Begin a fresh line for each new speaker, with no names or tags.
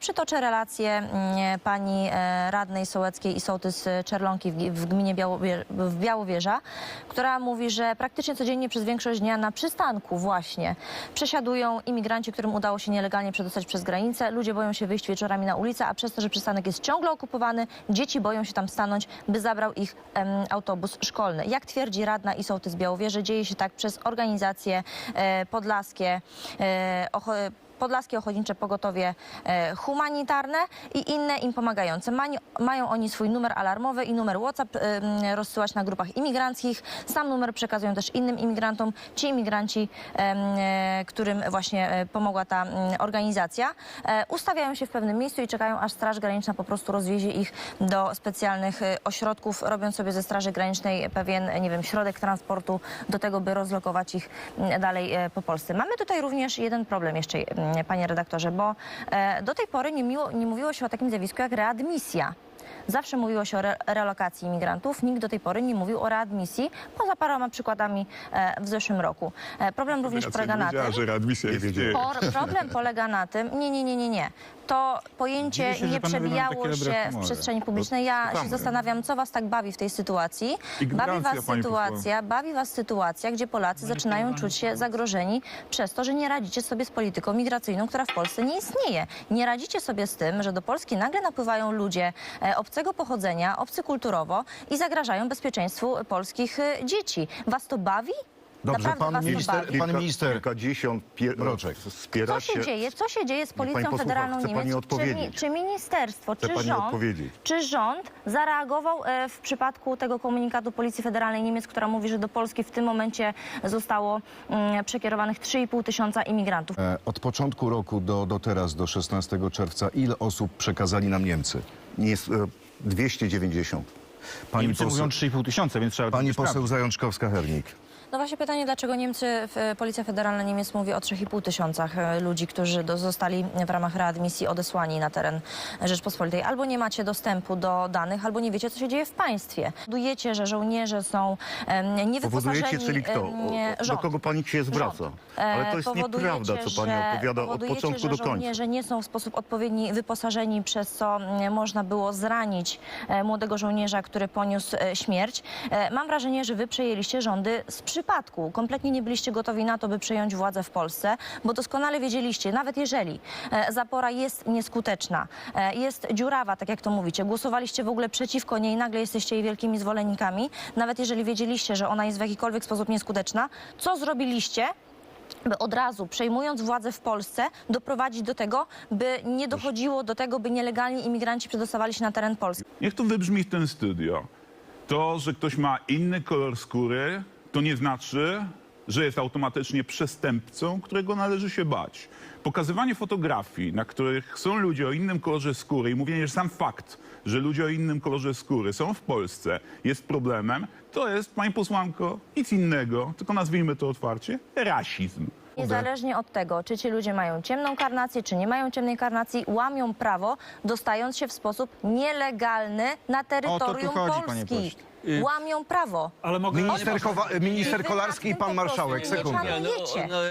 Przytoczę relację pani radnej sołeckiej i sołtys Czerlonki w gminie Białowieża, która mówi, że praktycznie codziennie przez większość dnia na przystanku właśnie przesiadują imigranci, którym udało się nielegalnie przedostać przez granicę. Ludzie boją się wyjść wieczorami na ulicę, a przez to, że przystanek jest ciągle okupowany, dzieci boją się tam stanąć, by zabrał ich autobus szkolny. Jak twierdzi radna i sołtys Białowieży, dzieje się tak przez organizacje podlaskie, Podlaskie Ochotnicze Pogotowie Humanitarne i inne im pomagające. Mają oni swój numer alarmowy i numer WhatsApp rozsyłać na grupach imigranckich. Sam numer przekazują też innym imigrantom. Ci imigranci, którym właśnie pomogła ta organizacja, ustawiają się w pewnym miejscu i czekają, aż Straż Graniczna po prostu rozwiezie ich do specjalnych ośrodków, robiąc sobie ze Straży Granicznej pewien, nie wiem, środek transportu do tego, by rozlokować ich dalej po Polsce. Mamy tutaj również jeden problem jeszcze, panie redaktorze, bo do tej pory nie mówiło się o takim zjawisku jak readmisja. Zawsze mówiło się o relokacji imigrantów, nikt do tej pory nie mówił o readmisji, poza paroma przykładami w zeszłym roku. Problem również polega na tym... Problem polega na tym... Nie. To pojęcie nie przebijało się w przestrzeni publicznej. Ja się zastanawiam, co was tak bawi w tej sytuacji. Bawi was sytuacja, gdzie Polacy zaczynają czuć się zagrożeni przez to, że nie radzicie sobie z polityką migracyjną, która w Polsce nie istnieje. Nie radzicie sobie z tym, że do Polski nagle napływają ludzie obcego pochodzenia, obcy kulturowo i zagrażają bezpieczeństwu polskich dzieci. Was to bawi?
Dobrze, pan minister Mroczek.
Co się dzieje z Policją Federalną Niemiec? Czy ministerstwo, czy rząd zareagował w przypadku tego komunikatu Policji Federalnej Niemiec, która mówi, że do Polski w tym momencie zostało przekierowanych 3,5 tysiąca imigrantów?
Od początku roku do teraz, do 16 czerwca, ile osób przekazali nam Niemcy?
Jest 290.
Niemcy mówią 3,5 tysiąca, więc trzeba...
Pani poseł Zajączkowska-Hernik.
No właśnie pytanie, dlaczego Policja Federalna Niemiec mówi o 3,5 tysiącach ludzi, którzy zostali w ramach readmisji odesłani na teren Rzeczpospolitej. Albo nie macie dostępu do danych, albo nie wiecie, co się dzieje w państwie. Powodujecie, że żołnierze są niewyposażeni...
Powodujecie, czyli kto? Do kogo pani się zwraca? Ale to jest nieprawda, co pani opowiada od początku do końca.
Żołnierze nie są w sposób odpowiedni wyposażeni, przez co można było zranić młodego żołnierza, który poniósł śmierć. Mam wrażenie, że wy przejęliście rządy z przypadku. Kompletnie nie byliście gotowi na to, by przejąć władzę w Polsce, bo doskonale wiedzieliście, nawet jeżeli zapora jest nieskuteczna, jest dziurawa, tak jak to mówicie, głosowaliście w ogóle przeciwko niej, nagle jesteście jej wielkimi zwolennikami, nawet jeżeli wiedzieliście, że ona jest w jakikolwiek sposób nieskuteczna, co zrobiliście, by od razu, przejmując władzę w Polsce, doprowadzić do tego, by nie dochodziło do tego, by nielegalni imigranci przedostawali się na teren Polski?
Niech to wybrzmi w tym studio. To, że ktoś ma inny kolor skóry, to nie znaczy, że jest automatycznie przestępcą, którego należy się bać. Pokazywanie fotografii, na których są ludzie o innym kolorze skóry i mówienie, że sam fakt, że ludzie o innym kolorze skóry są w Polsce, jest problemem, to jest, pani posłanko, nic innego, tylko nazwijmy to otwarcie, rasizm.
Niezależnie od tego, czy ci ludzie mają ciemną karnację, czy nie mają ciemnej karnacji, łamią prawo, dostając się w sposób nielegalny na terytorium Polski. Łamią prawo.
Minister Kolarski i pan marszałek, sekundę.